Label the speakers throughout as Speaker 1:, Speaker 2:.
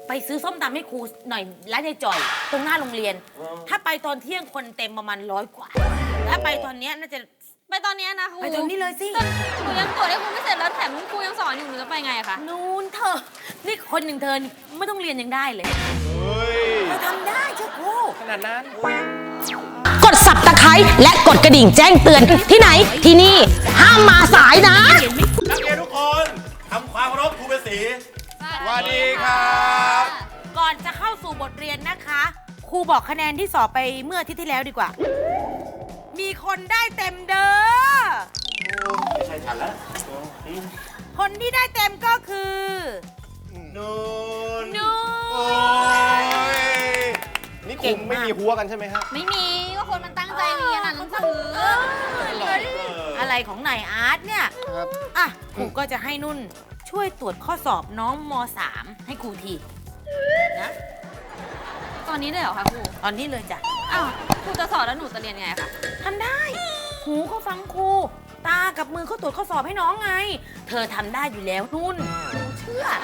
Speaker 1: ไปซื้อส้มตำให้ครูหน่อยร้านยายจ่อยตรงหน้าโรงเรียน ถ้าไปตอนเที่ยงคนเต็มประมาณ100 กว่าถ้าไปตอนนี้น่าจะ
Speaker 2: ไปตอนนี้นะครู
Speaker 1: ไปตอนนี้เลยสิ
Speaker 2: หนูยังตรวจให้ครูไม่เสร็จแล้วแถมครูยังสอนอยู่หนูจะไปไงอะคะ
Speaker 1: นู่นเธอนี่คนหนึ่งเธอไม่ต้องเรียนยังได้เลยเธอทำได้เชื่อครู
Speaker 3: ขนาดนั้น
Speaker 4: กด Subscribe และกดกระดิ่งแจ้งเตือนที่ไหนที่นี่ห้ามมาสายนะ
Speaker 3: นักเรียนทุกคนทำความเคารพครูเป็นสีสวัสดีครับ
Speaker 1: ก่อนจะเข้าสู่บทเรียนนะคะครูบอกคะแนนที่สอบไปเมื่ออาทิตย์ที่แล้วดีกว่ามีคนได้เต็มเด้อ
Speaker 3: ไม่ใช่ฉันแล้ว
Speaker 1: คนที่ได้เต็มก็คือ
Speaker 3: นูน
Speaker 1: โอ้
Speaker 3: ยนี่คงไม่มีหัวกันใช่ไหมฮะ
Speaker 2: ไม่มีก็คนมันตั้งใจเรียนอ่านหนังสือ
Speaker 1: อะไรของนายอาร์ตเนี่ยอ่ะครูก็จะให้นุ่นช่วยตรวจข้อสอบน้องม.3 ให้ครูทีนะ
Speaker 2: ตอนนี้เลยเหรอคะครู
Speaker 1: ตอนนี้เลยจ้ะ
Speaker 2: อ้าวครูจะสอนแล้วหนูจะเรียนไงคะ
Speaker 1: ทำได้หูก็ฟังครูตากับมือเขาตรวจข้อสอบให้น้องไงเธอทำได้อยู่แล้วนุ่นหนูเชื่อ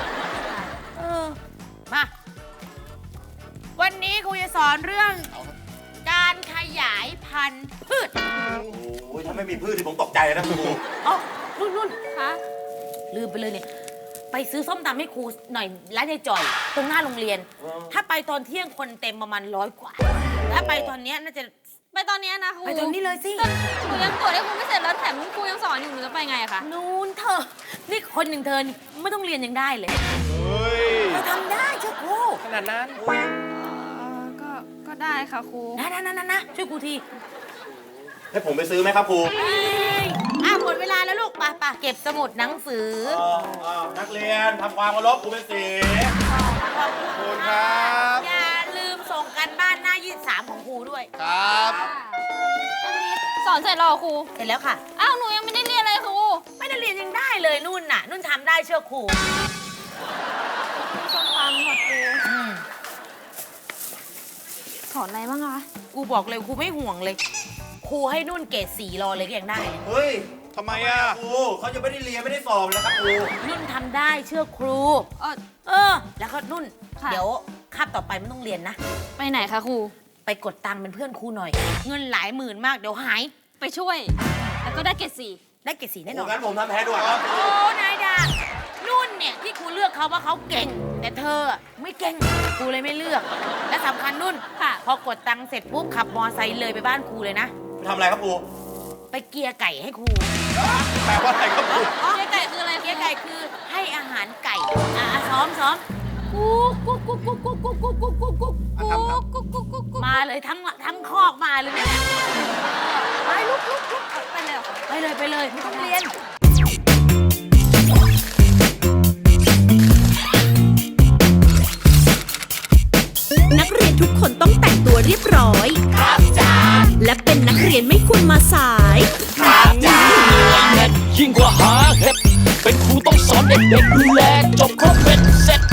Speaker 1: มาวันนี้ครูจะสอนเรื่องการขยายพันธุ์พืช
Speaker 3: โอ้ยถ้าไม่มีพืชที่ผมตกใจนะครู
Speaker 1: อ๋อนุ่น
Speaker 2: คะ
Speaker 1: ลืมไปเลยเนี่ยไปซื้อส้มตำให้ครูหน่อยร้านยายจ่อยตรงหน้าโรงเรียนถ้าไปตอนเที่ยงคนเต็มประมาณ100 กว่าถ้าไปตอนนี้น่าจะ
Speaker 2: ไปตอนนี้นะครู
Speaker 1: ไปตอนนี้เลยสิ
Speaker 2: หนูยังตรวจให้ครูไม่เสร็จแล้วแถมครูยังสอนอยู่หนูจะไปไงอะคะ
Speaker 1: นู่นเธอนี่คนหนึ่งเธอไม่ต้องเรียนยังได้เลยเธอทำได้เชื่อครู
Speaker 3: ขนาดนั้น
Speaker 2: ก็ได้ค่ะครู
Speaker 1: นะช่วยครูที
Speaker 3: ให้ผมไปซื้อไหมครับครู
Speaker 1: หมดเวลาแล้วลูกไปเก็บสมุดหนังสือ
Speaker 3: นักเรียนทำความเคารพครูเป็นสีขอบคุณครับ
Speaker 1: อย่าลืมส่งกันบ้านหน้า23ของครูด้วย
Speaker 3: ครับ
Speaker 2: สอนเสร็จแล้วครู
Speaker 1: เสร็จแล้วค่ะ
Speaker 2: อ้าวหนูยังไม่ได้เรียนเลยครู
Speaker 1: ไม่ได้เรียนยังได้เลยนุ่นทำได้เชื่อครู
Speaker 2: ส้มตำค่ะครูสอนอะไรบ้างคะ
Speaker 1: ครูบอกเลยครูไม่ห่วงเลยครูให้นุ่นเกรด4รอเลยก็ยังได้
Speaker 3: เฮ้ยทำไมอะครูเขาจะไม่ได้เรียนไม่ได้สอบแล้วครับครู
Speaker 1: นุ่นทำได้เชื่อครูแล้วก็นุ่นเดี๋ยวคาบต่อไปไม่ต้องเรียนนะ
Speaker 2: ไปไหนคะครู
Speaker 1: ไปกดตังค์เป็นเพื่อนครูหน่อยเงินหลายหมื่นมากเดี๋ยวหาย
Speaker 2: ไปช่วยแล้วก็ได้เกรด4
Speaker 1: ได้เกรด4แน่นอน
Speaker 3: งั้นผมทำแพ้ด้วยครับ
Speaker 1: โอ้นายดานุ่นเนี่ยที่ครูเลือกเขาว่าเขาเก่งแต่เธอไม่เก่งครูเลยไม่เลือกและสำคัญนุ่นพอกดตังค์เสร็จปุ๊บขับมอไซค์เลยไปบ้านครูเลยนะ
Speaker 3: ไปทำอะไรครับครู
Speaker 1: ไปเกียร์ไก่ให้ครู
Speaker 3: แปลว่าอะไรครับครู
Speaker 2: เกียร์ไก่คืออะไร
Speaker 1: เกียร์ไก่คือให้อาหารไก่ซ้อมกุ๊กมาเลยทั้งคอกมาเลยเนี่ยไปลุกไปเลยไม่ต้องเรียน
Speaker 4: นักเรียนทุกคนต้องแต่งตัวเรียบร้อยครับจ้าและเป็นนักเรียนไม่ควรมาสาย
Speaker 5: ครับจ้ายิ่งกว่าหาเห็ดเป็นครูต้องสอนเด็กๆดูแลจบครบเป็นเสร็จ